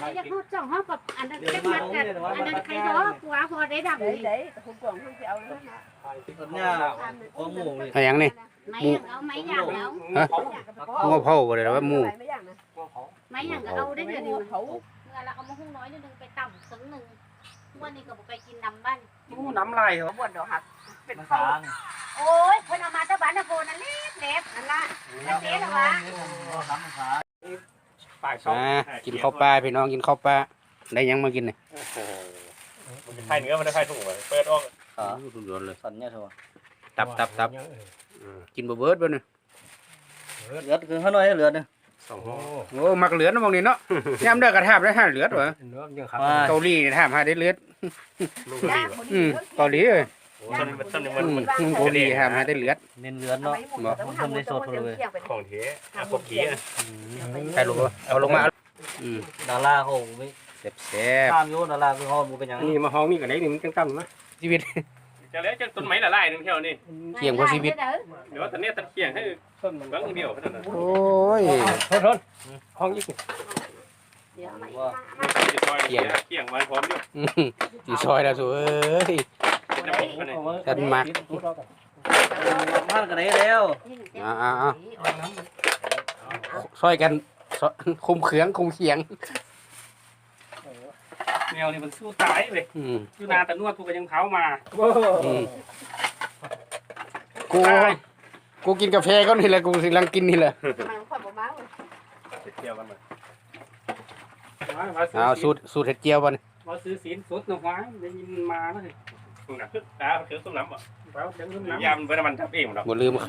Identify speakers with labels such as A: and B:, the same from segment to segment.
A: อยากนอดจ่องห้องกับอันนั้นแค่มัดกันอันนั้นใครท้อกลัวพอได้ดับ
B: đấy không còn không chịu nữa
C: nha có mù này
D: อะไรอย่างนี้
A: ไม่อย่างเอาไม่อย่างเอา
D: ฮะงอเผาบ่ได้ว่าหมู
A: ไม่อย่างเอาได้เดี๋ยวนี้เมื่อเราเอามาหุ้งน้อยนิดนึงไปต่ำสักหนึ่งวันนี้ก็บอกไปกินน้ำบ้าน
B: น้ำลายเหรอบ่นดอกหักเป็น
C: มัน
B: ข้าว
C: ทาง
A: โอ้ยคนเอามาตะบ้านตะโกนนั่นเล็บนั่นละนั่นเล็บหรอวะ
C: ทำมันทาง
D: กินข้าวปลาพี่น้องกินข้าวปลาได้ยังมากินเนี่ย
E: มันไข่เนื้อมันได้ไข่ถุงเลยเปิดออก
D: สุดยอดเลย
C: สันเนี่ยเถอะ
D: ตับกินบ่เบิดบ่เนี่ย
C: เลือดคือเขาน้อยเลือดเนี่ย
D: โอ้มักเหลือดนะมองนี่เนาะยามเด้อกระทาบได้5เหลือดวะเกาหลีนี่ทาบหาได้เหลือดเกาหลีเอ้ย
E: ต้นมัน
D: เกาหลีทาบหาได้เหลือด
C: เน้นเลือดเนาะทำได้สดเลย
E: ของเทอะพวกเกี้ย
D: ใครรู้บ่เอาลงมา
C: ดาราเขาไม่
D: แซ่บ
C: ตามโยดาราคือเขาเป็นอย่าง
E: นี่มาห้องนี่กันไหนนี่มันจังๆนะ
D: ชีวิต
E: จะแล้วจะต้นไม้ละลายนึงเที่ยวนี่
D: เกี่ยงกว่าชีวิต
E: เดี๋ยวตอนนี้ตัดเกี่ยงให้ต้นบางเดียวขนาดนั้น
D: โอ้ย
E: ทนห้องยี่สิบ
C: ว่า
E: เกี่ยงมันพร้อมอยู่
D: สิซอยแล้วสู้เอ้ย
E: จะไปคนไหน
D: ท่านมัก
C: ท่านกันไหนแล้ว
D: ซอยกันคุมเขืองคุมเขียง
E: แมวนี่มันสู้ตายเลยสู้นาแต่นวดกูก็ยังเท้ามา
D: กูกินกาแฟก็นี่แหละกูกำลังกินนี่แหละ
E: เที่ยวกันมา
D: เอาสูตรเห็ดเจียวบ่นี่
E: มาซื้อสินสดหน่อยได้ยินมาแล้วสิคุณน่ะตาคือส้มน้ำอ่ะยำเป็นมันทับเองหรอ
D: บ่ลืม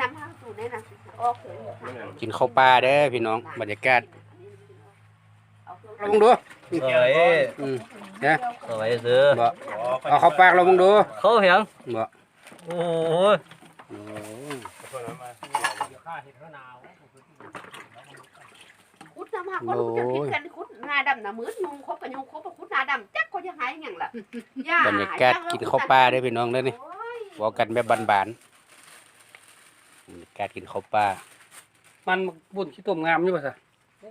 D: กินข้าวปลาเด้อพี่น้องบรรยากาศลองดู
C: สวย
D: นะ
C: สวยซื้อ
D: บ่เอาข้าวปลาลองดู
C: เขาเหียง
D: บ่
C: โอ้ย
B: คุดน้ำหักก็รู้จะคิดกันคุดงาดำน่ะมืดยุงคบกันยุงคบกับคุดงาดำจักก็จะหายอย่างล่ะ
D: บรรยากาศกินข้าวปลาเด้อพี่น้องเด้อนี่บอกกันแบบบานๆบรรยากาศกินข้าวปลา
E: มันบุญขี้ตุ่มงามอยู่ป่ะสิ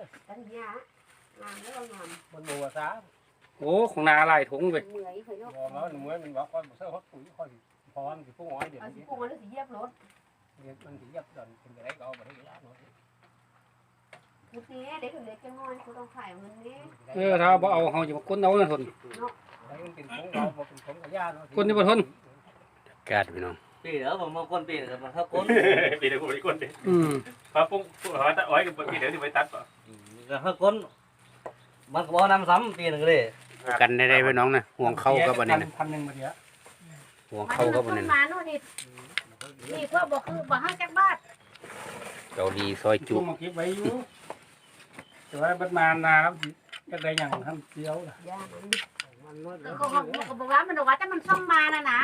E: โอ้ของนาลายถุงไป
F: มันบอกว่าเสื้อเขาปุ๋ยค่อยพร้อมสิพวกอ้อยเดี๋ยวนี้
B: พวกมันสิเยียบรถ
F: มันสิยับดอนเป็นอะไรก็เอาไปได้แล้ว
B: คุดนี้เด็กเล็กจะงอยคุดต้องขายมันนี่
E: ถ้าบ่เอาเขาจะมาก้นเอานะทน
F: มันเป็นของเราเป็นของกับญาติ
E: ก้นที่บ่ทน
D: อากาศพี่น้อง
C: ปีเดี๋ยวผมมาก้นปีเดี๋ยวมันเข้าก้น
E: ปีเดี๋ยวกูไปก้นดิพอปุ๊บพอตัดอ้อยกับปีเดี๋ยวที่ไปตัดป่ะ
C: เข้าก้นมันก็บ่นำซ้ำปีหนึ่งเลย
D: กันได้พี่น้องนะห่วงเข้ากับอันนี้นะ
F: 1,000มาเดียว
D: ห่วงเข้ากับอันนี้
A: มาโน่นนี่เพื่อบอกคือบอกห้างจักบ้าน
D: เกาหลีซอยจุ
F: มาเก็บไว้อยู่แต่ว่าบัดมานาครับจะได้อย่างท่านเดียวล่ะ
A: ก็บอกว่ามันบอกว่าแต่มันซ่อมมานะ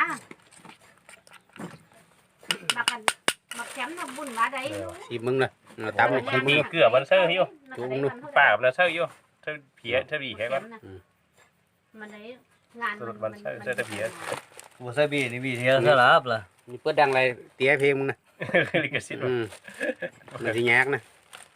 A: มากันมาแคมป์มาบุญมาได้
D: ชิมมึงนะตามชิมมึง
E: เกลือมันเซอร์อยู่ป่ามันเซอร์อยู่เธอเพี้ยเธอบีแค่ก่อน
A: มันได้งาน
E: สรุปมันเซอร์เธอเพี้ย
C: บัวใส่บีนี่บีเทียนสลับล่ะ
D: นี่เปิดดังอะไรเตี้ยเพลงมึงนะ
E: ลิขสิทธิ์
D: มันสิยากนะ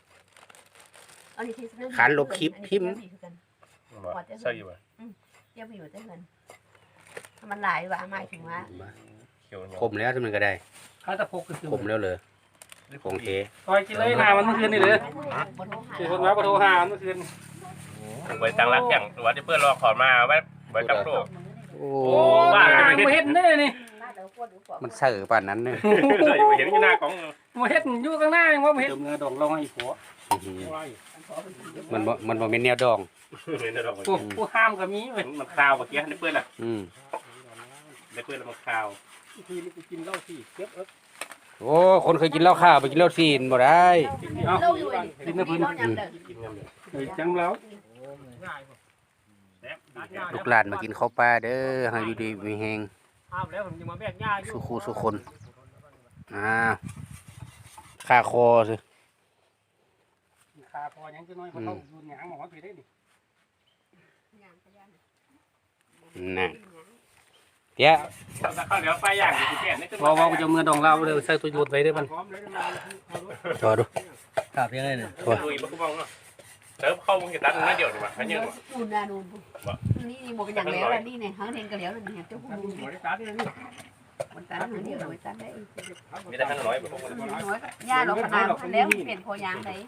D: ขานลบคลิปพิมพ์
E: เซอร์อยู่ป่ะ
B: เยียบอยู่ได้เงินมันหลายว่ะหมายถึงว่า
D: คมแล้วที่มันก็ได้
F: ข้าตะพกก็คือ
D: คมแล้วเลยของเท
F: ซอยกินเลยนามันเมื่อคืนนี่เลยคือคนมาปะโทหาเมื่อคืน
E: ไว้ตั้งรักอย่างว่าที่เพื่อนรอขอมาไว้กับโลก
D: โอ้
F: บ้ามาเฮ็ดได้นี่
D: มันเสือป่านนั้นเนี่ย
E: เห็นอยู่หน้ากล้อง
F: มาเฮ็ดอยู่ข้างหน้าว่ามาเฮ็ดเงินดองเราให้ผัว
D: มันบ่เป็นแนวดอง
F: ผู้ห้ามก็มีเว้ย
E: มันคาวเมื่อกี้ในเพื่อนล่ะ ในเพื่อนมันคาว
F: ทีนี้กูกินเหล้าที่เก็บ
D: โอ้คนเคยกินเหล้าข้าวไปกินเหล้าซีนบ่ได้
F: กินนะเพิ่น
E: กินเงินเลย
F: จังแล้ว
D: ลูกหลานมากินข้าวปลาเด้อให้อยู่ดีมีแฮง
F: ห้ามแล้วผมยังมาแบกหญ้าอยู่
D: สุขูสุคนค่าคอสิ
F: ขาพอยังจะน้อยเขาดูหยังหมอพี่ได้ดิ
D: น่ะเตี้ย
E: ข้าวเหนียวปลาย่างอยู่ที่แก่นี่
F: ว่ากูจะเมื่อดองเราเลยใส่ตัวยูดไว้ได้มัน
D: จอดู
C: ขาบยังไงเนี่ย
E: ลุยบ้าบ้องเนาะเติมเข้ามึงจะตัดนั่นเดียวดีกว่าแค่นี้
B: นู่นน่ะนู่นนี่หมดเป็นอย่างแล้วนี่เนี่ยหางเห็นกันแล้วนี่เจ้าคุณ
F: หัวได้ตัดเลยนี่
B: มันตันหางเดียวมันตันได้
E: มีแต่ทั้งร้อยแบบพวก
B: น้อยย่าเราขนาดแล้วเปลี่ยนพอยางไหน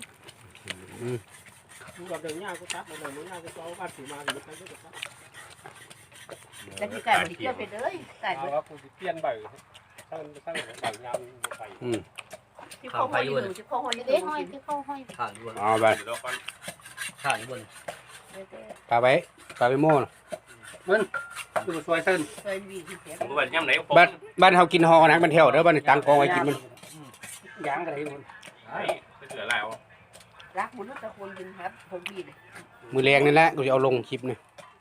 F: ดูกับเดินยากก็ตัดเลยมึงยากก็เอาบ้านถือมาหรือใครก็ตัด
B: แล้วที่ไก่มันเกี่ยวไปเลยไก่
F: เอาว่ากูเปลี่ยนใบตั้งใบยามใบ
B: ที่เขาห้อยอยู่ที่เขาห้อยอยู่
A: เด้ห้อยที่เข้าห้อย
C: ข้างอยู่บน
D: เอาไป
C: ข้างอยู่บน
D: ปลาไปโม่น่ะ
F: ดูสวยเส้น
B: เคยมีที่เสีย
E: ผมก็แบบย่ำไหน
D: บ้านเฮากินฮอนะมันเที่ยวเด้อบ้านตังกองไว้กินมัน
F: ยางกันเลยมัน
E: ไม่เหลือแล้ว
B: รักมันตะคนกินครับผมบีเลย
D: มือแรงนี่แหละกูจะเอาลงคลิปนี่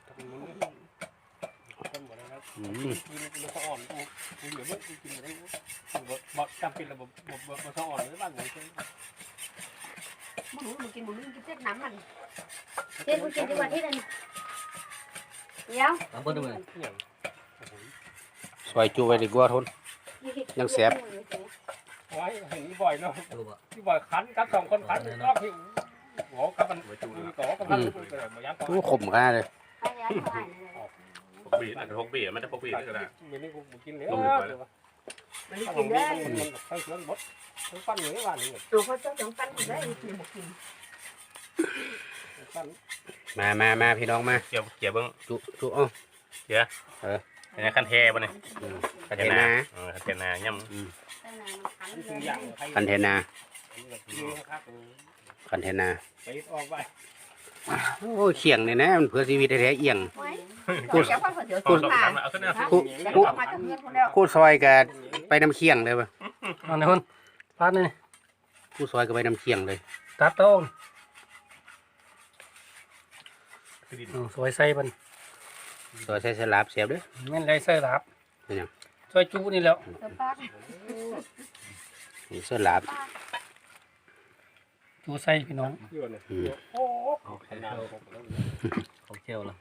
D: อืม
F: กินมันก็อ่อนกูเหลือไม่กินอะไรบอกจำเป็นระบบมันก็อ่อนเลยบ้านไหนใช่
B: มันรู้มันกินมันกินเส้นน้ำมัน
A: เด้กูกินดีกว่าที่นั่นเดี๋ยว
C: ตามบนด้วย
D: ซอยจูไว้ดีกว่าทน ยังแสบ
F: ไว้เห็นบ่อยเนาะ
C: ดูบ่
F: ที่บ่อยคันกับ2คนคันก็หิวโหกับมันต่อกับมันมายังต่อ
D: โอ้ขมขนาดเลย
A: ไปแล้วเท่าไหร่เลย
E: พกบีอาจจะพกบีไม่ได้พกบีนี่ก็ได้
F: มีนี่กูกินแล้ว
B: มันกินได้
F: มันใช้เครื่องบดเครื่องปั้นอย่างนี้ว่านี่
B: ตัวเขาเจ้าจังปั้นกินได้กินหมดกิน
F: ปั้น
D: มาพี่น้องมา
E: เกี่ยวเบิ้ง
D: จุอ้อ
E: อันนี้ขั้นเทป่ะเนี่ย
D: คันเทนา
E: ขั้นเทนาย่
F: คืออย่าง
D: คันเทนา
F: ครับ
D: คันเทนา
F: ไปออกไป
D: โอ้เขียงนี่นะมันเพื่อชีวิตแท้ๆเอียง
B: กูจะพักเดี๋ยว
E: ำ
B: จุดมา
E: เอาขึ้นเนี่ย
B: มาจากเพื่อนคนแล้ว
D: คู่ซอยกับไปน้ำเคียงเลยป่ะ
F: เอาในคนปั้นนี่
D: คู่ซอยกับไปน้ำเคียงเลย
F: ตัดต้นสวยใส่มัน
D: ซอยใส่สลับเสียบเด้อ
F: แม่นไรใส่หลับช่วยจูนี่แล้ว
D: นี่สลับ
F: จูใส่พี่น้อง
D: อืม
F: โอ้
C: เขาเชี่ยวแล้ว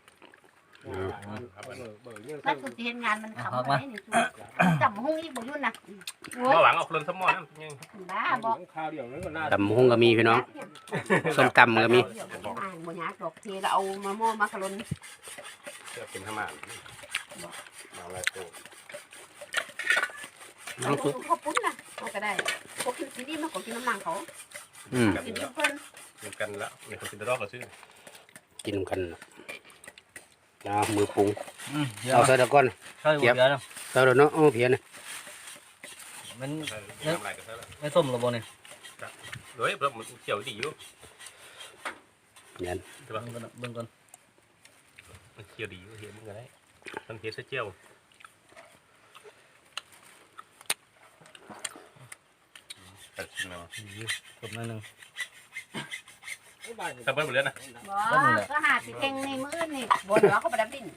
A: นั่นคือเห็นงานมันขำไปนี่จับหุ้งอีกบ่ยุ่นนะโอ้ย
E: มาหวังเอาคนสมอนั่นยัง
A: บ้าบอก
F: ข้าวเดียวนั่นก็น่า
D: ตำหุ้งก็มีพี่น้องส้มตำก็มี
B: บ่ยากดอกเทเราเอามาหม้อมาคารน
E: เกิดเป็นธรรมะเอาอะไรตัว
B: เขาปุ้นนะเขาก็ได้เขากินซีดีมากกว่ากินน้ำมันเขา
D: อืม
B: กินเพื่อน
E: กินกันแล้วมีคนกินตะรอกก็ซื้อ
D: กินกันเอามือปรุง
C: เดี๋ยว
D: เอาใส่ตะก้อน
C: ใช่เดี๋ยวนะ
D: ใส่แล้วเนาะเอาเพียนนะ
C: มัน
E: ทำอะไรกันซะแล้ว
C: ไม่ส้มหรอบนนี่
E: เฮ้ยเริ่มเกี่ยวดีอยู่
D: ยัน
E: ใช่ป่ะ
C: เบิ่งก่อน
E: มันเกี่ยวดีอยู่เห็นมึงก็ได้มันเกี่ยวเจียวตัดชิ้นมา
C: จบหน่อยนึง
E: ทำเพิ่มหมดเลยนะ
A: บอกก็หาสิเก่งในมือนี่
B: บนหัวเขาไปดับดิน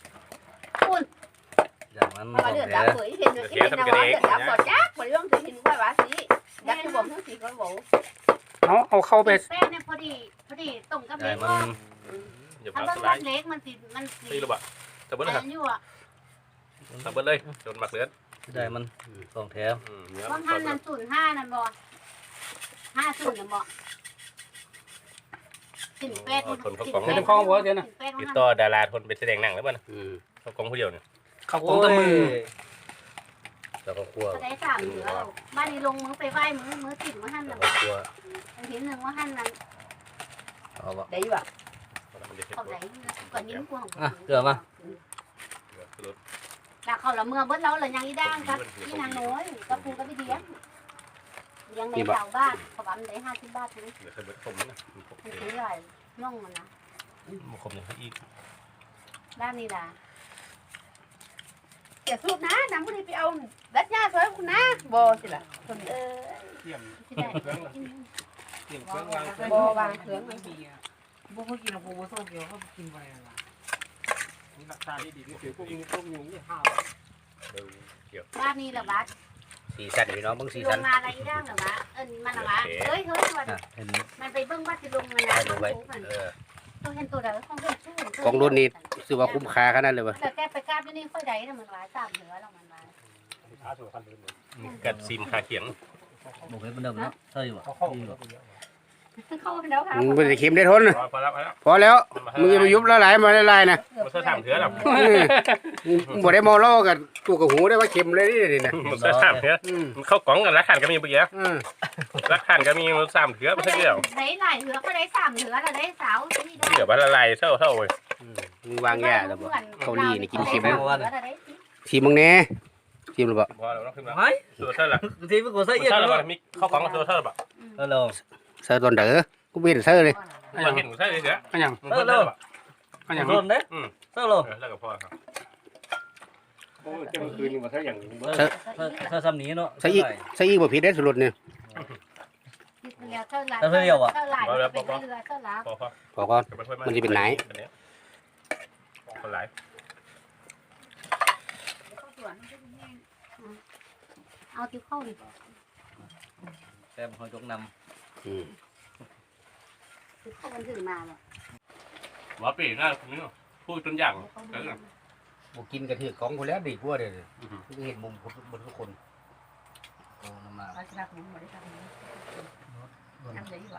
C: อย่างนั้น
B: มาเดือดดับเผยเห็นเห็นนะว่าเดือดดับก่อนยักษ์บริวารจะเห็นว่าว่าสิดับที่บ่มทั้งสี่คนบอก
F: เอาเข้าไป
A: แป้งเนี่ยพอดีต้มกับ
C: ใช่
A: เล็ก
C: มัน
A: ก็
E: อย่า
A: ถ้า
E: พลาด
A: เบิ่ง
E: สไล
A: กับ
E: ด์
A: เล็กมันสิ
E: ตีระบะทำเบิ้ลเลยครับ
A: อันอยู่อ่ะ
E: ทำเบิ้ลเลยจนหมักเลือด
C: ได้มันสองแถว
E: เนื้อ
A: ว่างหันนั่น05นั่นบ่50นั่นบ่สินเป็ดเป็ด
E: ติดต่อดาราทนไปแสดงหนังแล้วป่ะ
D: อืม
E: เขากองผู้เดียวเนี่ย
F: เข้าของตะมือ
D: แล้วก็คั่ว
A: ก็ได้3เหลือบ้านนี้ลงมือไปไหว้มือติดว่าหั่น
D: แล้
A: น่ะ
D: วก็คั่ว
A: เห็นนึงว่าหั่นนั่น
C: เอาบ่
B: ได้ป่ะ
A: เขาได้กว่านิ้วกว่า
C: อ่ะเกลือมา
A: แล้วเขาละเมื่อเบิดเราละยังอีด่างครับอีนางน้อยกับปูกับพี่เดียงยังในชาวบ้านเขาบอกได้50 บาทถึง
E: เดี๋ยวเคยเบิดคมนะ
A: มันซื้ออะไรน่องมันนะ
E: มันคมอย่างอีก
A: ด้านนี้ล่ะ
B: เดี๋ยวสูบนะน้ำมันไปเอาดัดยาสวยคุณนะบ่สิล่ะคน
A: เออ
F: เตรียม
A: ที่ได้
F: เครื่องเตรียมเครื่องวางเครื่อง
B: บ่วางเครื่องมัน
F: พวกเขากินพวกเขาเกี่ยวเขากินไปอะไรนี่รักษาดีนี่ถือพวกนี้พวกยุงนี่ห้าว
A: บ้านนี้ล่ะบ้าน
D: สีสันพี่น้องเบิ่งสี
A: ล
D: สัน
A: งมาอะไรอีด่างล่ะบ้านมันล่ะบ้านเฮ้ยมัน
C: อ่ะเห็น
A: มันไปเบิ่งบ้านสิลงมันนะ
D: ดูไว้เออ
A: ต้องเห็นตัวใดของเห็นชื่อ
D: ของรุ่นนี้ซื้อว่าคุ้มค่าขนาดเลยว่ะ
A: แต่แกไปกราบอยู่นี่ค่อยได้น่ะมันหลาย3เหลือแล้วมันหลาย
F: ช้าสุดคันเลย
E: กัดซีมขาเขียง
C: บอกให้มันเดิมเนาะใช่บ่
F: เขาเข้า
A: เข้าแล้วค่ะ
D: มึงบ่ได้เค็มได้ทนน่ะ
E: พอแล้วพอแล้ว
D: พอแล้วมึงอย่าไปยุบละลายมาละลายนะ
E: มันเสื้อถามเถื่อหรอ
D: มึงบ่ได้มอล่อกับตู้กับหูได้ว่าเค็มเลยนี่นะ
E: มันเสื้อถามเถื่อมันเข้ากล่องกันรักขันก็มีเมื่อกี้รักขันก็มีมัน3เถื่อไม่ใช่เดียว
A: ได้หลายเถือก็ได้3เถือแล้วได้สาวนี่ได้
E: เดี๋ยวมันละลายเท่าเว้ย
D: มึงวางยาแล้วบ่เกาหลีนี่กินเค็ม
A: ได้
D: ชิมมึงแน่ชิมหรือเปล่า
E: พอแล้วต้องขึ้นแล้ว
C: เฮ้ย
E: ตัวเท่าไหร่
C: ทีมันกูใส่เอียด
E: เท่า
C: เล
E: ไหร่
C: ย
E: มีเข้ากล่องตัวเท่าไหร่
C: เออโล
D: เซอร์ตอนเด้อกูไม่เห็นเซอร์เลย
E: มันเห็นใช่เสือ
F: อันยัง
E: มันเท่าไหร่
F: อันยัง
C: โดนเด้เท่าโล
E: แล้วก็พอครับ
F: โอ้ยจะมาคืนนี่มาถ้าอย่าง
C: เท่าซ้ำนี้เนาะ
D: ใส่อีกบ่ผิดได้สุดเนี่ย
A: เท่าไหร่เท่าไหร่เท่าไหร่เท่าไหร่
E: พอ
D: พอก่อน
E: คนหลาย
A: เอาที่เข้าดิ
C: แต่เขาจกน
A: ที่เข้ามันถือมาว่ะ
E: หมอปีน่าพูดจนอย่าง
D: บ่กินกระถือของคนแล้วดีกว่าเด้อมึงเห็นมุมบนทุกคนโอ้น้ำมา
B: เอาชนะผมบ่ได้ทำทำได้ดีกว่า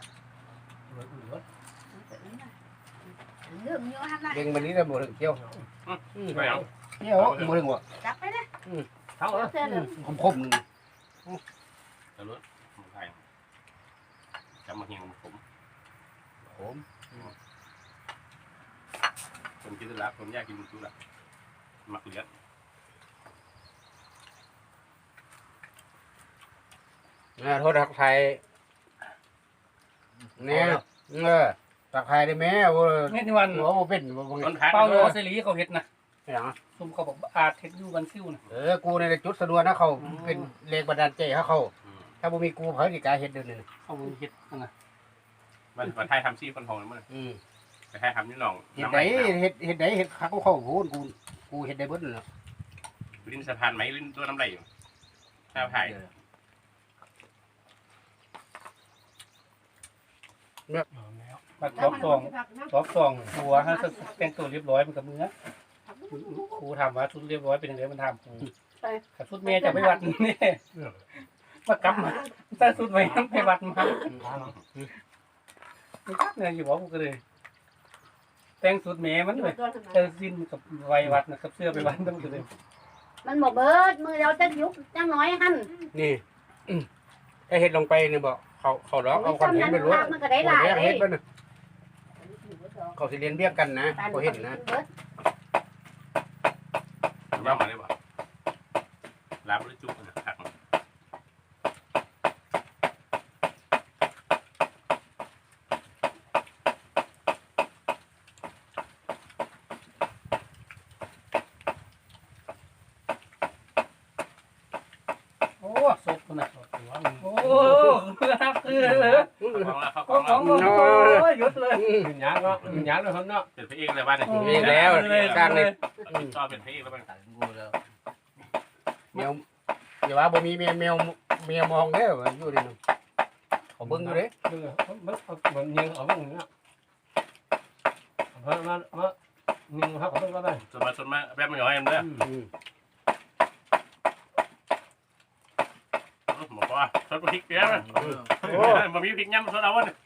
B: เรื่องเยอะทำได้
D: เด้งวันนี้ได้บ่ถึงเที่ยว
E: ไม่เอา
D: เที่ยวบ่ถึงบ่
B: จับไปนะ
F: เท่า
B: เสื้อเหลือง
D: คม
E: จะรู้ผมไทยจำมาเฮียงผม
D: ผม
E: ผมกินแล้วผมอยากกินทุกละมักเลี้ยง
D: โทษทักไทยเนี่ยทักไทยได้แม่บ่
F: นี่ที่วัน
D: หัวบ่เป็นบ่บ่
E: ต้นพัน
F: เป้าเรือเสรีเขาเห็ดนะ
D: หยัง
F: ซุ่มเขาบอกอาเห็ดอยู่กันซิ่วนะ
D: กูในจุดสะดวกนะเขาเป็นแรงบันดาลใจให้เขาถ้าบ่มีกูเพิ่นสิกล้าเฮ็ดเด้อนี่
F: เขาเห็ดนะ
E: มันไทยทำซี่คนหงเลยมั้งแต่ไทยทำนี่น้อง
D: เฮ็ดได้เฮ็ดคักเขาโหนกูเฮ็ดได้เบิดนั่นแหละ
E: ลิ้นสะพานไหมลิ้นตัวน้ำไหลอยู่ถ้าถ่าย
F: มาท็อปสองหัวฮะแต่งตัวเรียบร้อยมันกับมือครูถามว่าชุดเรียบร้อยเป็นยังไงมันถามครูกับชุดเมย์จะไปวัดนี่มากลับมาถ้าชุดเมย์ไปวัดมาเนี่ยอยู่บอกกูก็เลยแต่งชุดเมย์มันเลยเธอสิ้นกับไววัดนะกับเสื้อไปวัดต้องเลย
A: มันบอกเบิดมือเราจะยุบจังน้อยหั่น
D: นี่ถ้าเฮ็ดลงไปนี่บ่เขาร้องเอาคอนเทนต์ไปรู้
A: มันก็ได้หลาย
D: เฮ็ดเบิ่นเขาสิเรียนเรียกกันนะบ่เฮ็ดนะ
E: ย่ำมาได้ป่ะล้างด้วยจุ๊บนะหัก
F: โอ้ศพนะโอ้คือเลย
E: เข้า
F: ของ
E: แล้ว
F: โอ้ยยุดเลย
C: ยักษ์เนาะยักษ์เลยคนเนาะ
E: เป็นพระเอกเลยบ้านเนี่ย
D: เองแล้วสร้างนี่
E: ชอบเป็นพระเอกแล้วบ้าน
C: ตัดงูแล้ว
D: แมวอย่าว่าบ่มีแมวมองเด้ออยู่ดิเขาเบิ่งอยู่เด้
F: มันยิงเอาบ้างเนี่ยมายิงเขาเอาบ้างก็ได้
E: ส่วนมาแบบมันย่อยเอ็มเลยบอกว่าซอสพริกเยอะมั้ยมันมีพริกย่ำซอสเอาวะเนี่ย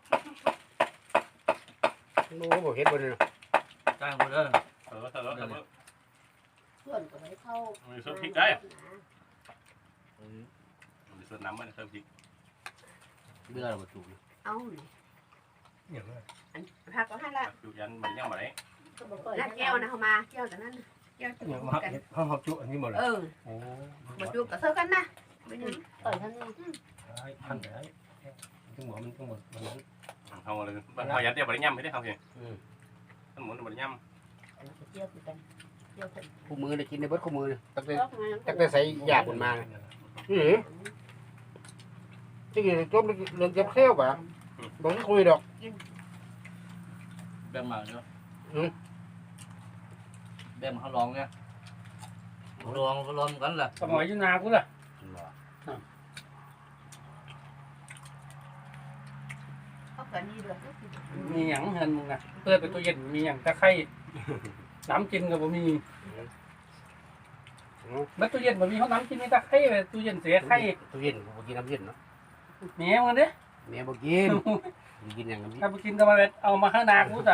D: โอ้บ่เฮ็ดบ่นี่
C: จ้างกูเด้อ
A: ส่วนก็ไม่เข้า
E: มีซอสพริกได้มีซอสน้ำมันซอสพริก
C: เบื่อเราประตู
B: เอาผักก็ให้ละ
E: อยู่ยันมันย่ำมาไหน
B: นัดแก้วนะเขามาแก้วแต่นั้นแก้วจะ
F: อย่าง
B: มา
F: มา
B: กัน
F: เขาจุอันนี้หมดเลย
B: โอ้มาดูกับเท่ากันนะไม่ยัง
A: เปิดทั้งนี้
F: พันได้ทั้งหมดมันทั้งหมดมันนั้น
E: เขาเลยเขายันเดียวมันย่ำไม่ได้เขาเองทั้งหมดมันย่ำ
A: เจียวคือกันเจียวถึง
D: คู่มือได้กินได้เบิดคู่มือตั้งแต่
A: รอบมา
D: ตั้งแต่ใส่ยาบุญมาที่จมเรื่องเจ็บเซลป่ะบ่คุยดอก
C: แบ่งมาเนาะแบ่งเขาลองเนี่ยลองกันล่ะ
F: สมัยยุนากูล่ะ
B: เขาเกิดนี่ด้วย
F: มีหยังเงินมึงนะเปิดเป็นตู้เย็นมีหยังตะไคร้น้ำกินกับบ่มีเมื่อตู้เย็นบ่มีเขาน้ำกินมีตะไคร้ตู้เย็นเสียไข่
D: ตู้เย็นบ่กินน้ำเย็นเนาะ
F: แม่มันเด้
D: แม่บ่กินกินอย่างนี้
F: ถ้าไปกินก็มาเอามาข้างนากูจ้ะ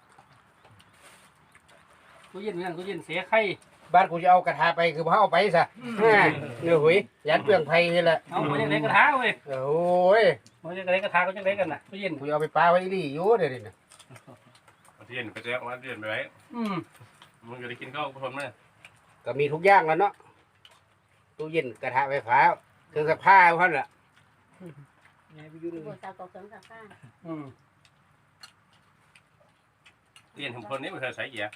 F: กูเย็นเหมือนกันกูเย็นเสียไข่
D: บ้านกูจะเอากระทะไปคือบ่เอาไปซะเนี่ยหุยยัดเปลืองไผ่นี่แหละ
F: เอาไปยังไงกระทะเว้ย
D: โอ้ย
F: มันยังไงกระทะก็ยังไงกันน่ะกูเย็น
D: กูเอาไปปลาไว้นี่อยู่เดี๋ยวนี้นะ
E: เรียนไปแจ้งว่าเรียนไปไว้ มึงจะได้กินข้าวผู้ชมไหม
D: ก็มีทุกอย่างแล้วเนาะตู้เย็นกระทะไฟฟ้าเครื่องซักผ้าเพิ่นล่ะ
A: โบสาวกองเสริมสักข้าง
E: เรียนทำคนนี้มันเคยใส่เกียร์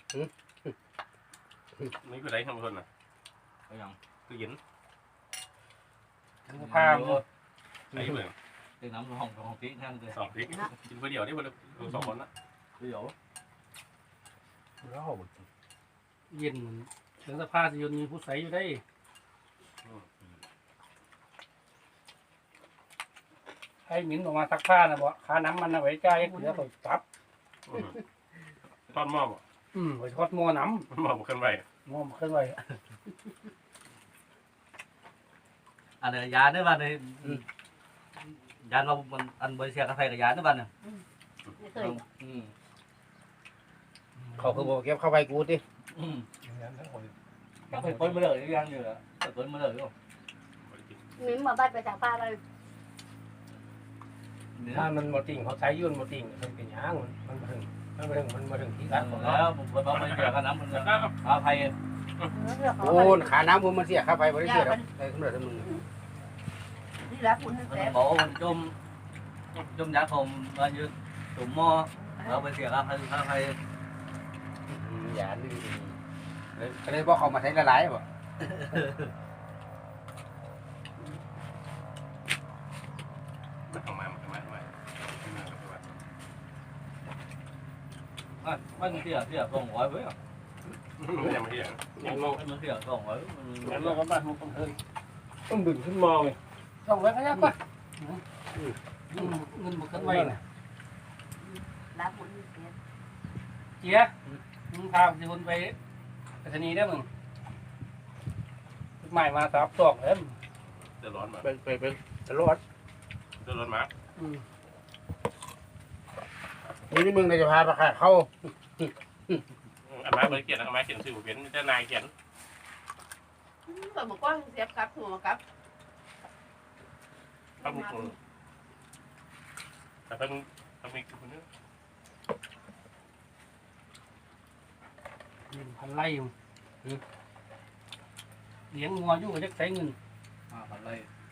E: นี่คือไรทำคนน่ะ
C: เอาอย่าง
E: คือเย็น
F: ผ้า
E: ใส่เบื่อ
C: ตีน้ำห้องพริกนั่นเลย
E: สองพริกกินคนเดียวนี่มันสองคนนะ
C: เดี๋ยว
F: เย็นถึงสภาพจะยนมีผู้ใส่อยู่ได้ให้หมิ่นออกมาซักผ้านะบ่ค่าน้ำมันนะไว้จ่ายเหลือตัวจับ
E: ทอดหม้อบ่
F: ไว้ทอดหม้อน้
E: หม้อบุกขึ้นไป
F: ำหม้อขึ้นไว้
C: อันนี้ยาเนี่ยบ้านเลยยาเรามันอันบริเซียกาแฟกับยาเนี่ยบ้านเนี่ย
A: ไม่เคย
D: เขาคือบ่เก็บเข้าไปกูติ
C: ก็ไปต้นมาเลยยังอยู่อ่ะต้นมาเลยก็
A: มิ้มมาบ้านไปจากป้าเลย
F: ถ้ามันหมดติ่งเขาใช้ยุ่นหมดติ่งมันเป็นยางมันมาถึงที่กัดของเรา
C: แล้วผมไปบอกบริเซียกับน้ำมันอาภัย
D: โอ้ขาน้ำมันเสียเข้าไปบ่ได้เสียดอกใส่ขึ้นมาทั้งมึง
B: นี่แหละคุณ
C: มัน
B: แซ่บ
C: บอกมันจมยาผมมาอยู่ตุ่มหม้อแล้วบริเซียกับอาภัย
D: อย่านี่ก็เลยบอกเขามาใช้ละลายบ่
E: ทำมา
C: มันเสียส่งไว้ไว้
E: ยังไม่เห็น
C: มันเสียส่งไว้
F: แล้วเราก็บ้านมันเพิ่ม
E: ต้องดึงขึ้นมองเลย
F: ต้องไว้ก็ยากกว่าเงินบุกขึ้นไว้น่ะ
B: รับคุณเสีย
F: เจี๊ยมึงพาสิคนไปไปสนีได้มึงใหม่มาซับตอกเลย
E: เดือดร้อนมา
D: ไปตลอด
E: เดือดร้อนมา
D: นี่มึงจะพาไปขาเข้า
E: อันมาบริเกียรติอันมาเขียนสื่อเป็นเจ้านายเขียน
B: ก็บอกว่าเสียบกับหัวกับ
E: พระมุขแต่ต้องมีคนนึง
F: พันไล่อยู่เลี้ยงงัวอยู่ก็จะใช้เงิน
C: อะไร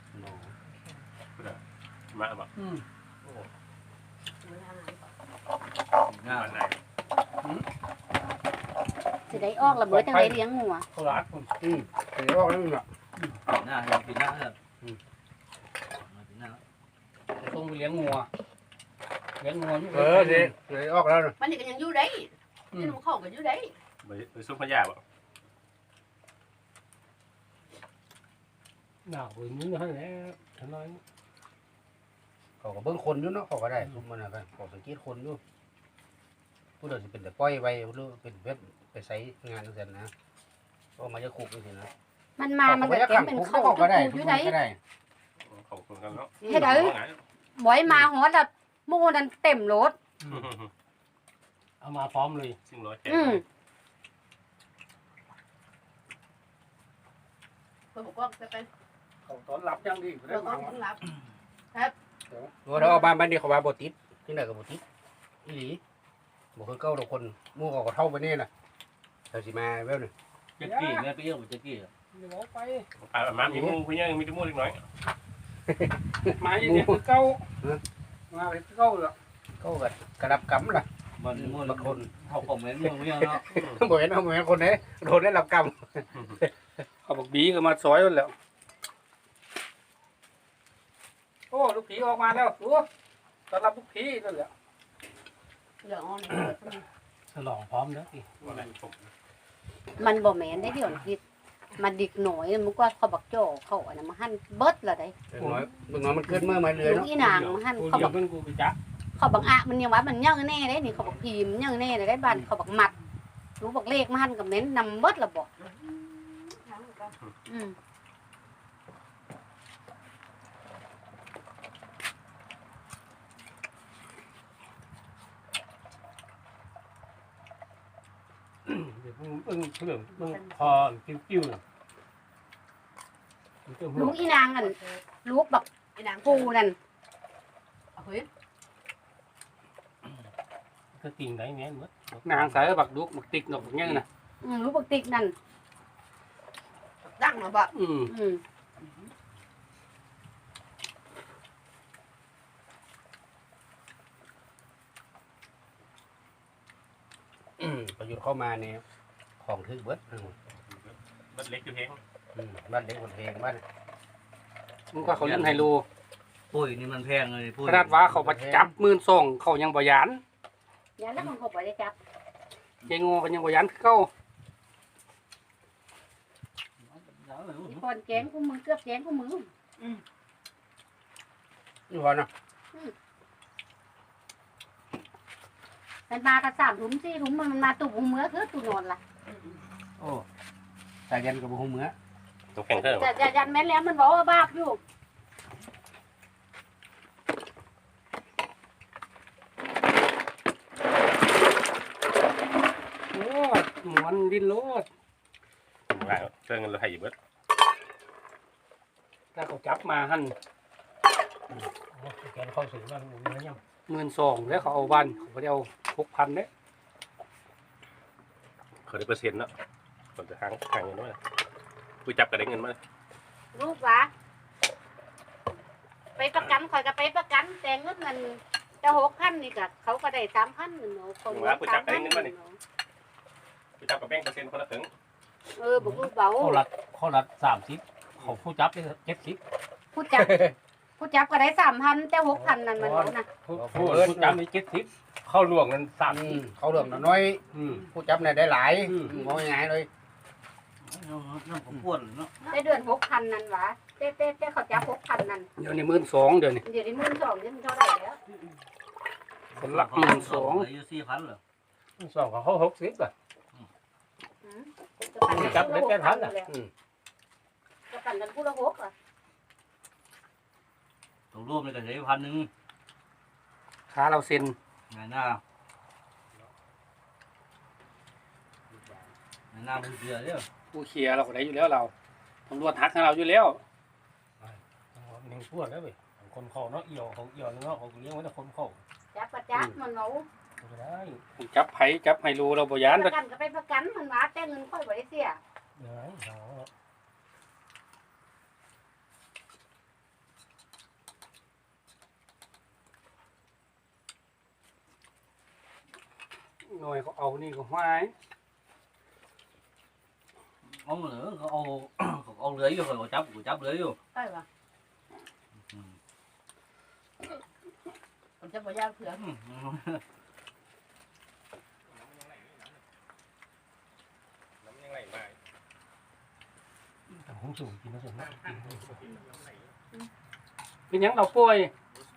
E: มาแบบ
C: ง่าย
E: นาย
A: สิได้ออกระเบิดจังไดเลี้ยงงัว
F: เขาลัดคน
D: ไปออกแล้วมึงอ่ะ
C: หน้ากินหน้าเลยกินหน้า
F: ต้องไปเลี้ยงงัวอยู่
D: เลยออกแล้ว
B: มันนี่ก็ยังอยู่ได้ที่มันเข้ากันอยู่ได้
E: ไปซุปพญาบ่
F: หนาวอย่างนี้นะเนี่ยฉันน้อย
D: เขาก็เบิ่งคนอยู่เนาะเขาก็ได้ทุกมันนะเขาสังเกตคนอยู่ผู้เดินสิเป็นแต่ปล่อยไว้หรือเป็นเว็บไปใช้งานนั่นนะก็มาจะคุกนี่สินะ
A: มันมามันก็เต็มเป็นเข้า
D: ก็ได้
A: อยู่ได้
D: ก็ได้
E: ขอบคุณกันเนาะ
A: เฮ็ดเอ้ยบ่อยมาฮอดแล้วหมู่นั้นเต็มรถ
F: เอามาพร้อมเลย
E: ซึ่งร้อยแ
B: ก็บอกว่าจะไป
F: เขาตอนรับยังดี
B: เราก็ต้องรับ
D: เราเอาบ้านนี้เขาว่าบ่ติดที่ไหนก็บ่ติดอีหลีบ่คือเก่าทุกคนหมู่เขาก็เท่าไปนี่น่ะเขาสิมาแบบนี้
C: จะกี้แม่ไปเยี่ยมจะกี้
F: เดี๋ยวไป
E: มามีมูพี่ยังมีจมูกเล็กน้อย
F: มาอย่างนี้คือเก้ามาเป็นเก้าเลย
D: เขาก็กระดับกำล่ะ
C: มันมัน
D: บางคน
C: เขาคอมเมนต์มึงไม่เนาะ
D: บ่เห็นเอาเหมือนคนไหนโดนได้รับกรรม
F: เขาบอกบีก็มาซอยแล้วโอ้ลูกผีออกมาแล้วตัวต้อนรับลูกผีนั่นแหละ
B: เหลืออ่อน
F: ฉลองพร้อมแล้ว
A: มันบ่แม่นได้เดี๋ยวคิดมันดิกหน่อยมันก็เขาบักโจ้เขาอันนั้นมาหั่นเบิดละได้
D: น้อยมึงน้อยมันเกิดเมื่อมาเลย
A: ลูก
D: เนาะ
A: อีนางมาหั่น
F: กู
A: เขา
F: เดี๋
A: บั
F: ยว
A: ก
F: เพิ่งกูไปจับ
A: เขาบักอะมันยังว่ามันยังแน่ได้นี่เขาบักพิมพ์ยังแน่ได้บ้านเขาบักมัดรู้บักเลขมาหั่นกับเม้นนำเบิดละบ่อืม
F: เดี๋ยวเรื่องพอกิ้วๆ
A: ลูกอีนางนั่นลูกแบบ
B: ไอ้นาง
A: ปูนั่น
B: เฮ้ย
F: ก็ติ่งไหนแม่นหมดนางสายบักดุกบักติ๊กดอกอย่างน่ะ
A: ลูกบักติกนั่น
B: ดังเนาะบ่
A: อืม
D: ประยุทธ์เข้ามาเนี่ยของทึกเบิด
E: มันเล็กอยู่เฮง
D: บ้านเด็กคนเพลงบ้าน
F: มันก็เขาเล่นไฮโล
C: ปุ้ยนี่มันแพงเลยปุ้ย
F: ขนาดว่าเขามาจับ12,000เขายังบ่ยาน
A: ยานแล้วมันก็บ่ได้จับ
F: เจงอก็ยังบ่ยานคือเก่า
A: อีคนแกงกูมือเกือบแกงกูมือ
D: นี่พอเนาะ
A: มันมากัน3 ถุง4 ถุงมันมาตุ่มมือคือตุ่นอนล่ะ
D: โอ้สายยันกับบุ้งเมือ
E: ตัวแข็งเท่าไหร่
A: จะยันแม่นแล้วมันบอกว่าบาปอยู่
F: โอ้มันดิ้นโลด
E: ว่าเครื่องเงินเราให้อยู่เบิด
F: ถ้าเขาจับมาหั่น
E: แกเข้าสู่บ้านเนื้อยัง
F: 12,000แล้วเขาเอาบ้านเขาบ่ได้เอา6,000เด้
E: เขาได้เปอร์เซ็นต์เนาะคนจะค้างเงินด้วยกูจับกระเด้งเงินมา
A: ลูกหวะไปประกันข่อยก็ไปประกันแต่เงินมันจะ6,000นี่ก็เขาก็ได้3,000หนูคนละ3,000
E: กูจับกับแบงค์เปอร์เซ็นต์คนละถึง
A: บ่ลูกเบา
C: ข้อรัด30เขาผู้จับได้70
A: ผู้จับก็ได้3,000แต่6,000นั่นมันนะ
F: ผู้จับนี่70เข้าหลวงนั้น
D: เขาเรื่องน้อยผู้จับเนี่ยได้หลายมองยังไงเลย
C: นั่นผมป้วนเนาะ
A: ได้เดือน6,000นั่นหวะแต่เขาจับ6,000นั่น
F: เดี๋ยวนี้12,000เดี๋ยวนี้
A: เดี๋ยวนี้12,000ยังเท่าไหร่แล้ว
F: คนละ
C: อายุ4,000เหรอ
F: 12,000เขา60อ่ะ
A: จับได้8,000จะปั่นกันผู้ละ6อ่ะ
C: ตัวรวมนี่ก็ใช้1,000
F: ขาเราเซ็น
C: งานหน้าผู้เสือเด้อ
F: ผู้เคลียร์เราก็ได้อยู่แล้วเราตำรวจทักให้เราอยู่แล้ว
E: หนึ่งพวดแล้วเว้ยคนเข้าเนาะเอี่ยวของเอี่ยวเนาะของเลี้ยงไว้แต่คนเข้า
A: จับประจับมันเอา
E: ก็ได้
F: จับไผจับไฮโลเราบ่ยาน
A: ประกันก็ไปประกันมันว่าแต่เงินค่อยบ่ได้เสีย
E: ได้เอา
F: หน่วยเขาเอานี่ก็หาย
C: เอาเหลือเขาเอาเรืออยู่เขาจับเรืออยู่
B: ใช่ป่ะผมจะบ่ยาวเผื่อ
E: น้ำยังไหลมา
F: แต่ผมสูงกินแล้วส่วนมากกินเป็นหยังเราป่วย
E: ส